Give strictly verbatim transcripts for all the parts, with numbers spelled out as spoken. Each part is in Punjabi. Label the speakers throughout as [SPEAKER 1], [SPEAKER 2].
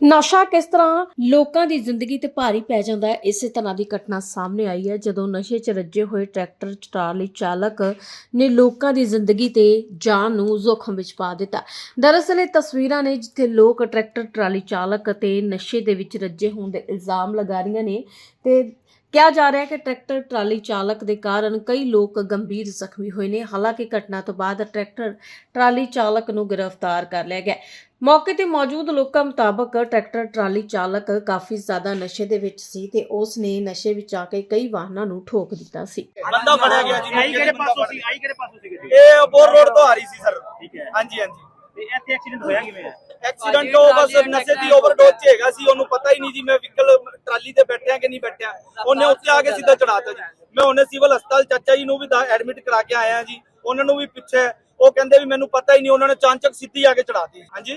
[SPEAKER 1] ਨਸ਼ਾ ਕਿਸ ਤਰ੍ਹਾਂ ਲੋਕਾਂ ਦੀ ਜ਼ਿੰਦਗੀ ਤੇ ਭਾਰੀ ਪੈ ਜਾਂਦਾ ਹੈ। ਇਸੇ ਤਰ੍ਹਾਂ ਦੀ ਘਟਨਾ ਸਾਹਮਣੇ ਆਈ ਹੈ ਜਦੋਂ ਨਸ਼ੇ 'ਚ ਰੱਜੇ ਹੋਏ ਟਰੈਕਟਰ ਟਰਾਲੀ ਚਾਲਕ ਨੇ ਲੋਕਾਂ ਦੀ ਜ਼ਿੰਦਗੀ ਤੇ ਜਾਨ ਨੂੰ ਜ਼ੋਖਮ ਵਿੱਚ ਪਾ ਦਿੱਤਾ। ਦਰਅਸਲ ਇਹ ਤਸਵੀਰਾਂ ਨੇ ਜਿੱਥੇ ਲੋਕ ਟਰੈਕਟਰ ਟਰਾਲੀ ਚਾਲਕ ਅਤੇ ਨਸ਼ੇ ਦੇ ਵਿੱਚ ਰੱਜੇ ਹੋਣ ਦੇ ਇਲਜ਼ਾਮ ਲਗਾ ਰਹੀਆਂ ਨੇ ਤੇ ਕਿਹਾ ਜਾ ਰਿਹਾ ਹੈ ਕਿ ਟਰੈਕਟਰ ਟਰਾਲੀ ਚਾਲਕ ਦੇ ਕਾਰਨ ਕਈ ਲੋਕ ਗੰਭੀਰ ਜ਼ਖਮੀ ਹੋਏ ਨੇ। ਹਾਲਾਂਕਿ ਘਟਨਾ ਤੋਂ ਬਾਅਦ ਟਰੈਕਟਰ ਟਰਾਲੀ ਚਾਲਕ ਨੂੰ ਗ੍ਰਿਫਤਾਰ ਕਰ ਲਿਆ ਗਿਆ। ਮੌਕੇ ਤੇ ਮੌਜੂਦ ਲੋਕਾਂ ਮੁਤਾਬਕ ਟਰੈਕਟਰ ਟਰਾਲੀ ਚਾਲਕ ਕਾਫੀ ਜ਼ਿਆਦਾ ਨਸ਼ੇ ਦੇ ਵਿੱਚ ਸੀ ਤੇ ਉਸ ਨੇ ਨਸ਼ੇ ਵਿੱਚ ਆ ਕੇ ਕਈ ਵਾਹਨਾਂ ਨੂੰ ਠੋਕ ਦਿੱਤਾ ਸੀ।
[SPEAKER 2] ਬੰਦਾ ਫੜਿਆ ਗਿਆ ਜੀ।
[SPEAKER 3] ਆਈ ਕਿਹੜੇ ਪਾਸੋਂ ਸੀ ਆਈ ਕਿਹੜੇ ਪਾਸੋਂ ਸੀ ਗੱਡੀ?
[SPEAKER 2] ਇਹ ਅਬੋਰ ਰੋਡ ਤੋਂ ਆ ਰਹੀ ਸੀ ਸਰ।
[SPEAKER 3] ਠੀਕ ਹੈ।
[SPEAKER 2] ਹਾਂਜੀ ਹਾਂਜੀ।
[SPEAKER 3] ਤੇ ਇੱਥੇ ਐਕਸੀਡੈਂਟ ਹੋਇਆ ਕਿਵੇਂ ਹੈ?
[SPEAKER 2] ਐਕਸੀਡੈਂਟ ਉਹ ਬਸ ਨਸ਼ੇ ਦੀ ਓਵਰਡੋਜ਼ 'ਚ ਹੈਗਾ ਸੀ, ਉਹਨੂੰ ਪਤਾ ਹੀ ਨਹੀਂ ਜੀ ਮੈਂ ਵਹੀਕਲ ਟਰਾਲੀ ਤੇ ਬੈਠਿਆ ਕਿ ਨਹੀਂ ਬੈਠਿਆ। ਉਹਨੇ ਉੱਤੇ ਆ ਕੇ ਸਿੱਧਾ ਚੜਾਤਾ ਜੀ। ਮੈਂ ਉਹਨੇ ਸਿਵਲ ਹਸਪਤਾਲ ਚਾਚਾ ਜੀ ਨੂੰ ਵੀ ਐਡਮਿਟ ਕਰਾ ਕੇ ਆਇਆ ਜੀ, ਉਹਨਾਂ ਨੂੰ ਵੀ ਪਿੱਛੇ ਉਹ ਕਹਿੰਦੇ ਵੀ ਮੈਨੂੰ ਪਤਾ ਹੀ ਨਹੀਂ, ਉਹਨਾਂ ਨੇ ਚਾਂਚਕ ਸਿੱਧੀ ਆ ਕੇ ਚੜਾਤੀ। ਹਾਂਜੀ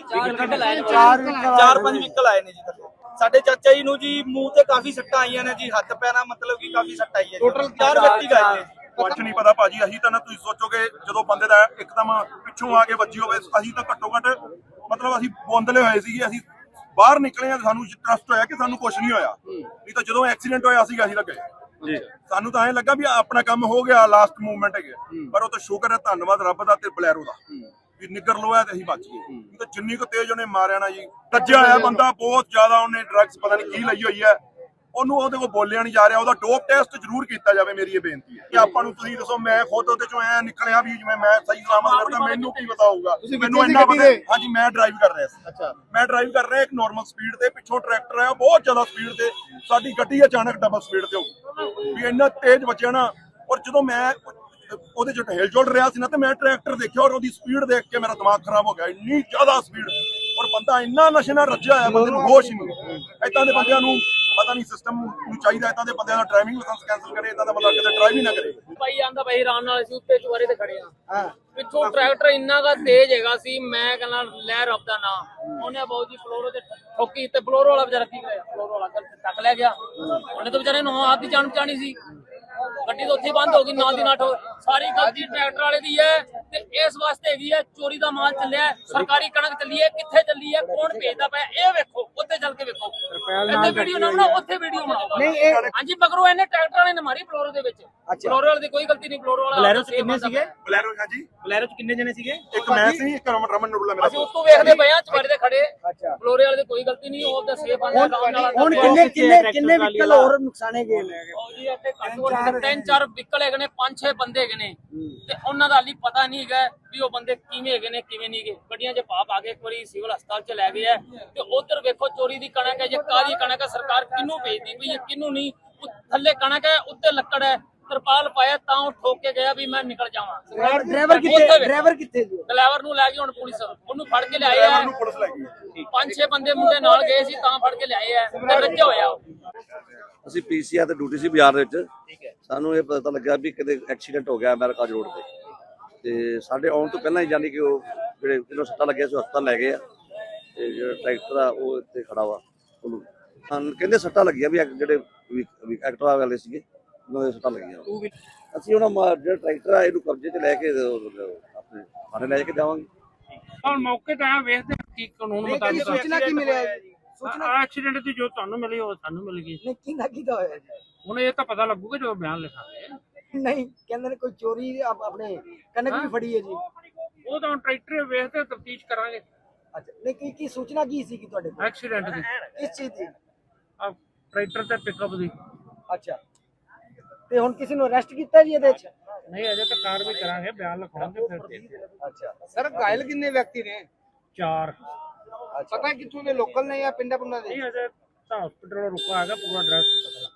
[SPEAKER 2] ਚਾਰ ਪੰਜ ਵਹੀਕਲ ਆਏ ਨੇ ਜੀ ਥੱਲੇ। ਸਾਡੇ ਚਾਚਾ ਜੀ ਨੂੰ ਜੀ ਮੂੰਹ ਤੇ ਕਾਫੀ ਸੱਟਾਂ ਆਈਆਂ ਨੇ ਜੀ, ਹੱਥ ਪੈਰਾਂ ਮਤਲਬ ਕਿ ਕਾਫੀ ਸੱਟ ਆਈ ਹੈ। ਟੋਟਲ ਚਾਰ ਵਿਅਕਤੀ ਗਏ ਨੇ।
[SPEAKER 4] ਕੁਛ ਨਹੀਂ ਪਤਾ ਭਾਜੀ, ਅਸੀਂ ਤਾਂ ਨਾ ਤੁਸੀਂ ਸੋਚੋਗੇ ਜਦੋਂ ਬੰਦੇ ਦਾ ਇੱਕਦਮ ਪਿੱਛੋਂ ਆ ਕੇ ਵੱਜੀ ਹੋਵੇ, ਅਸੀਂ ਤਾਂ ਘੱਟੋ ਘੱਟ ਮਤਲਬ ਅਸੀਂ ਬੋਂਦਲੇ ਹੋਏ ਸੀਗੇ। ਅਸੀਂ ਬਾਹਰ ਨਿਕਲੇ ਆ, ਸਾਨੂੰ ਟਰਸਟ ਹੋਇਆ ਕਿ ਸਾਨੂੰ ਕੁਝ ਨਹੀਂ ਹੋਇਆ, ਨਹੀਂ ਤਾਂ ਜਦੋਂ ਐਕਸੀਡੈਂਟ ਹੋਇਆ ਸੀਗਾ ਅਸੀਂ ਤਾਂ ਗਏ ਜੀ। ਸਾਨੂੰ ਤਾਂ ਐਂ ਲੱਗਾ ਵੀ ਆਪਣਾ ਕੰਮ ਹੋ ਗਿਆ, ਲਾਸਟ ਮੂਵਮੈਂਟ ਹੈਗੇ, ਪਰ ਉਹ ਤਾਂ ਸ਼ੁਕਰ ਹੈ, ਧੰਨਵਾਦ ਰੱਬ ਦਾ ਤੇ ਬਲੈਰੋ ਦਾ ਵੀ ਨਿੱਗਰ ਲੋਇਆ ਤੇ ਅਸੀਂ ਬਚ ਗਏ। ਤਾਂ ਜਿੰਨੀ ਕੁ ਤੇਜ਼ ਉਹਨੇ ਮਾਰਿਆ ਨਾ ਜੀ, ਰੱਜਿਆ ਹੋਇਆ ਬੰਦਾ ਬਹੁਤ ਜ਼ਿਆਦਾ, ਉਹਨੇ ਡਰੱਗਸ ਪਤਾ ਨਹੀਂ ਕੀ ਲਈ ਹੋਈ ਹੈ, ਉਹਨੂੰ ਉਹਦੇ ਕੋਲ ਬੋਲਿਆ ਨਹੀਂ ਜਾ ਰਿਹਾ। ਉਹਦਾ ਡੋਪ ਟੈਸਟ ਜ਼ਰੂਰ ਕੀਤਾ ਜਾਵੇ, ਮੇਰੀ ਇਹ ਬੇਨਤੀ ਹੈ ਕਿ ਆਪਾਂ ਨੂੰ ਤੁਸੀਂ ਦੱਸੋ, ਮੈਂ ਖੁਦ ਉਹਦੇ ਚੋਂ ਐ ਨਿਕਲਿਆ ਵੀ ਜਿਵੇਂ ਮੈਂ ਸਹੀ ਸਲਾਮਤ ਕਰਦਾ, ਮੈਨੂੰ ਕੀ ਪਤਾ ਹੋਊਗਾ। ਮੈਨੂੰ ਇੰਨਾ ਪਤਾ, ਹਾਂਜੀ ਮੈਂ ਡਰਾਈਵ ਕਰ ਰਿਹਾ ਸੀ। ਅੱਛਾ, ਮੈਂ ਡਰਾਈਵ ਕਰ ਰਿਹਾ ਇੱਕ ਨਾਰਮਲ ਸਪੀਡ ਤੇ, ਪਿੱਛੋਂ ਟਰੈਕਟਰ ਆਇਆ ਬਹੁਤ ਜ਼ਿਆਦਾ ਸਪੀਡ ਤੇ, ਸਾਡੀ ਗੱਡੀ ਅਚਾਨਕ ਡਬਲ ਸਪੀਡ ਤੇ ਹੋ ਗਈ ਵੀ ਇੰਨਾ ਤੇਜ਼ ਵੱਜਿਆ ਨਾ। ਔਰ ਜਦੋਂ ਮੈਂ ਉਹਦੇ ਚ ਹਿਲ ਜੁਲ ਰਿਹਾ ਸੀ ਨਾ ਤੇ ਮੈਂ ਟਰੈਕਟਰ ਦੇਖਿਆ ਔਰ ਉਹਦੀ ਸਪੀਡ ਦੇਖ ਕੇ ਮੇਰਾ ਦਿਮਾਗ ਖਰਾਬ ਹੋ ਗਿਆ, ਇੰਨੀ ਜ਼ਿਆਦਾ ਸਪੀਡ। ਔਰ ਬੰਦਾ ਇੰਨਾ ਨਸ਼ੇ ਨਾਲ ਰੱਜਿਆ ਹੋਇਆ, ਬੰਦੇ ਨੂੰ ਹੋਸ਼ ਹੀ ਨਹੀਂ। ਏਦਾਂ ਦੇ ਬੰਦਿਆਂ ਨੂੰ ਪਤਾ ਨਹੀਂ ਸਿਸਟਮ ਨੂੰ ਚਾਹੀਦਾ ਏਦਾਂ ਦੇ ਬੰਦਿਆਂ ਦਾ ਡਰਾਈਵਿੰਗ ਲਾਇਸੈਂਸ ਕੈਂਸਲ ਕਰੇ, ਏਦਾਂ ਦਾ ਬੰਦਾ ਕਿਤੇ ਡਰਾਈਵ ਹੀ ਨਾ ਕਰੇ।
[SPEAKER 5] ਭਾਈ ਆਂਦਾ ਭਾਈ ਆਰਾਮ ਨਾਲ ਅਸੀਂ ਉੱਤੇ ਚੁਬਾਰੇ ਤੇ ਖੜੇ ਆ, ਪਿੱਛੋਂ ਟਰੈਕਟਰ ਇੰਨਾ ਕਾ ਤੇਜ਼ ਹੈਗਾ ਸੀ, ਮੈਂ ਕਹਿੰਦਾ ਲੈ ਰੱਬ ਦਾ ਨਾਂ, ਉਹਨੇ ਬਾਊ ਜੀ ਫਲੋਰੋ ਤੇ ਠੋਕੀ ਤੇ ਫਲੋਰੋ ਵਾਲਾ ਵਿਚਾਰਾ ਕੀ ਕਰਿਆ, ਫਲੋਰੋ ਵਾਲਾ ਟੱਕ ਲੈ ਗਿਆ। ਉਹਨੇ ਤਾਂ ਵਿਚਾਰੇ ਨੂੰ ਆਪ ਦੀ ਜਾਨ ਬਚਾਣੀ ਸੀ, ਗੱਡੀ ਤਾਂ ਉੱਥੇ ਬੰਦ ਹੋ ਗਈ ਨਾਲ ਦੀ ਨਾਲ। ਸਾਰੀ ਗਲਤੀ ਟਰੈਕਟਰ ਵਾਲੇ ਦੀ ਹੈ ਤੇ ਇਸ ਵਾਸਤੇ ਹੈਗੀ ਹੈ, ਚੋਰੀ ਦਾ ਮਾਲ ਚੱਲਿਆ, ਸਰਕਾਰੀ ਕਣਕ ਚੱਲੀ ਹੈ, ਕਿੱਥੇ ਚੱਲੀ ਹੈ, ਕੌਣ ਭੇਜਦਾ ਪਿਆ, ਇਹ ਵੇਖੋ, ਉੱਥੇ ਚੱਲ ਕੇ ਵੇਖੋ। ਇੱਥੇ ਵੀਡੀਓ ਨਾ ਬਣਾਓ, ਉੱਥੇ ਵੀਡੀਓ ਬਣਾਓ। ਹਾਂਜੀ ਮਗਰੋਂ ਇਹਨੇ ਟਰੈਕਟਰ ਵਾਲੇ ਨੇ ਮਾਰੀ ਫਲੋਰੋ ਦੇ ਵਿੱਚ। ਫਲੋਰੋ ਵਾਲੇ ਦੀ ਕੋਈ ਗਲਤੀ ਨਹੀਂ, ਫਲੋਰੋ ਵਾਲਾ
[SPEAKER 3] ਬਲੈਰੋ ਚ ਕਿੰਨੇ ਸੀਗੇ?
[SPEAKER 4] ਬਲੈਰੋ ਹਾਂਜੀ,
[SPEAKER 3] ਬਲੈਰੋ ਚ ਕਿੰਨੇ ਜਣੇ ਸੀਗੇ?
[SPEAKER 4] ਇੱਕ ਮੈਂ ਸੀ, ਇੱਕ ਰਮਨ ਰਮਨ ਨੂਰਲਾ ਮੇਰਾ।
[SPEAKER 5] ਅਸੀਂ ਉਸ ਤੋਂ ਵੇਖਦੇ ਪਏ ਆ ਚੁਬਾਰੇ ਤੇ ਖੜੇ, ਫਲੋਰੇ ਵਾਲੇ ਦੀ ਕੋਈ ਗਲਤੀ ਨਹੀਂ, ਉਹ ਤਾਂ ਸੇਫ ਆਂਦਾ ਆਰਾਮ ਨਾਲ।
[SPEAKER 6] ਹੁਣ ਕਿੰਨੇ ਕਿੰਨੇ ਕਿੰਨੇ ਵਹੀਕਲ ਹੋਰ ਨੁਕਸਾਨੇ ਗਏ ਨੇ?
[SPEAKER 5] ਜੀ ਇੱਥੇ ਘੱਟੋ ਘੱਟ ਤਿੰਨ ਚਾਰ ਵਹੀਕਲ ਹੈਗੇ ਨੇ, ਪੰਜ ਛੇ ਬੰਦੇ ਹੈਗੇ ਨੇ ਤੇ ਉਹਨਾਂ ਦਾ ਹਾਲੀ ਪਤਾ ਨਹੀਂ ਹੈਗਾ ਵੀ ਉਹ ਬੰਦੇ ਕਿਵੇਂ ਹੈਗੇ ਨੇ ਕਿਵੇਂ ਨਹੀਂ ਹੈਗੇ। ਗੱਡੀਆਂ 'ਚ ਪਾ ਪਾ ਕੇ ਇੱਕ ਵਾਰੀ ਸਿਵਲ ਹਸਪਤਾਲ 'ਚ ਲੈ ਗਏ ਆ ਤੇ ਉਧਰ ਵੇਖੋ ਚੋਰੀ ਦੀ ਕਣਕ ਹੈ, ਜੇ ਕਾਲੀ ਕਣਕ ਹੈ, ਸਰਕਾਰ ਕਿਹਨੂੰ ਭੇਜਦੀ ਪਈ ਹੈ ਕਿਹਨੂੰ ਨਹੀਂ। ਥੱਲੇ ਕਣਕ ਹੈ, ਉੱਤੇ ਲੱਕੜ ਹੈ, ਤਰਪਾਲ ਪਾਇਆ ਤਾਂ ਉਹ ਠੋਕ ਕੇ ਗਿਆ ਵੀ ਮੈਂ ਨਿਕਲ ਜਾਵਾਂ।
[SPEAKER 6] ਡਰਾਈਵਰ ਕਿੱਥੇ ਡਰਾਈਵਰ ਕਿੱਥੇ ਜੀ?
[SPEAKER 5] ਡਰਾਈਵਰ ਨੂੰ ਲੈ ਗਈ ਹੁਣ ਪੁਲਿਸ, ਉਹਨੂੰ ਫੜ ਕੇ ਲਿਆਏ ਆ।
[SPEAKER 4] ਪੁਲਿਸ ਲੈ ਗਈ,
[SPEAKER 5] ਪੰਜ ਛੇ ਬੰਦੇ ਮੁੰਡੇ ਨਾਲ ਗਏ ਸੀ ਤਾਂ ਫੜ ਕੇ ਲਿਆਏ ਆ ਤੇ ਰੱਜਿਆ ਹੋਇਆ ਉਹ।
[SPEAKER 7] ਅਸੀਂ ਪੀਸੀਆਰ ਤੇ ਡਿਊਟੀ ਸੀ ਬਾਜ਼ਾਰ ਦੇ ਵਿੱਚ। ਸਾਨੂੰ ਇਹ ਪਤਾ ਲੱਗਾ ਵੀ ਕਿਤੇ ਐਕਸੀਡੈਂਟ ਹੋ ਗਿਆ ਅਮਰੀਕਾ ਰੋਡ ਤੇ, ਤੇ ਸਾਡੇ ਆਉਣ ਤੋਂ ਪਹਿਲਾਂ ਹੀ ਜਾਨੀ ਕਿ ਉਹ ਜਿਹੜੇ ਜਿਹਨੂੰ ਸੱਟਾਂ ਲੱਗਿਆ ਸੀ ਹਸਪਤਾਲ ਲੈ ਗਏ ਆ, ਤੇ ਜਿਹੜਾ ਟਰੈਕਟਰ ਆ ਉਹ ਇੱਥੇ ਖੜਾ ਵਾ, ਉਹਨੂੰ ਕਹਿੰਦੇ ਸੱਟਾਂ ਲੱਗੀਆਂ ਵੀ ਜਿਹੜੇ ਐਕਟਿਵਾ ਵਾਲੇ ਸੀਗੇ ਉਹਨਾਂ ਦੇ ਸੱਟਾਂ ਲੱਗੀਆਂ। ਅਸੀਂ ਉਹਨਾਂ ਜਿਹੜਾ ਟਰੈਕਟਰ ਆ ਇਹਨੂੰ ਕਬਜ਼ੇ 'ਚ ਲੈ ਕੇ ਆਪਣੇ ਥਾਣੇ ਲੈ ਕੇ ਜਾਵਾਂਗੇ।
[SPEAKER 8] ਹੁਣ ਮੌਕੇ ਤੇ ਆ ਵੇਖਦੇ ਕੀ ਕਾਨੂੰਨ ਮੁਤਾਬਿਕ
[SPEAKER 6] ਸੂਚਨਾ ਕੀ ਮਿਲਿਆ ਜੀ? ਸੂਚਨਾ
[SPEAKER 8] ਐਕਸੀਡੈਂਟ ਦੀ ਜੋ ਤੁਹਾਨੂੰ ਮਿਲੀ ਉਹ ਸਾਨੂੰ ਮਿਲ ਗਈ।
[SPEAKER 6] ਨਹੀਂ ਕਿੰਨਾ ਕੀਤਾ ਹੋਇਆ ਜੀ?
[SPEAKER 8] ਹੁਣ ਇਹ ਤਾਂ ਪਤਾ ਲੱਗੂਗਾ ਜਦੋਂ ਬਿਆਨ ਲਿਖਾਂਗੇ।
[SPEAKER 6] ਨਹੀਂ ਕਹਿੰਦੇ ਨੇ ਕੋਈ ਚੋਰੀ ਆਪ- ਆਪਣੇ ਕਣਕ ਵੀ ਫੜੀ ਹੈ ਜੀ।
[SPEAKER 8] ਉਹ ਤਾਂ ਹੁਣ ਟਰੈਕਟਰ ਵੇਖਦੇ ਤਫਤੀਸ਼ ਕਰਾਂਗੇ।
[SPEAKER 6] ਅੱਛਾ, ਨਹੀਂ ਕੀ ਕੀ ਸੂਚਨਾ ਕੀ ਸੀ ਕਿ ਤੁਹਾਡੇ ਕੋਲ
[SPEAKER 8] ਐਕਸੀਡੈਂਟ ਦੀ
[SPEAKER 6] ਇਸ ਚੀਜ਼ ਦੀ?
[SPEAKER 8] ਆ ਟਰੈਕਟਰ ਤੇ ਪਿਕਅਪ ਦੀ।
[SPEAKER 6] ਅੱਛਾ, ਤੇ ਹੁਣ ਕਿਸੇ ਨੂੰ ਅਰੈਸਟ ਕੀਤਾ ਜੀ ਇਹਦੇ ਚ?
[SPEAKER 8] ਨਹੀਂ ਅਜੇ ਤਾਂ ਕਾਰਵਾਈ ਕਰਾਂਗੇ, ਬਿਆਨ ਲਿਖਾਉਂਗੇ ਫਿਰ ਦੇਖਦੇ।
[SPEAKER 6] ਅੱਛਾ
[SPEAKER 9] ਸਰ ਘਾਇਲ ਕਿੰਨੇ ਵਿਅਕਤੀ ਨੇ?
[SPEAKER 8] ਚਾਰ।
[SPEAKER 9] ਪਤਾ ਕਿੱਥੋਂ ਦੇ ਲੋਕਲ ਨੇ ਜਾਂ ਪਿੰਡਾਂ ਪੁੰਡਾਂ ਦੇ?
[SPEAKER 8] ਨਹੀਂ ਅਜੇ ਤਾਂ ਹਸਪੀਟਲ ਰੁਕਾ ਹੈਗਾ, ਪੂਰਾ ਐਡਰੈਸ ਪਤਾ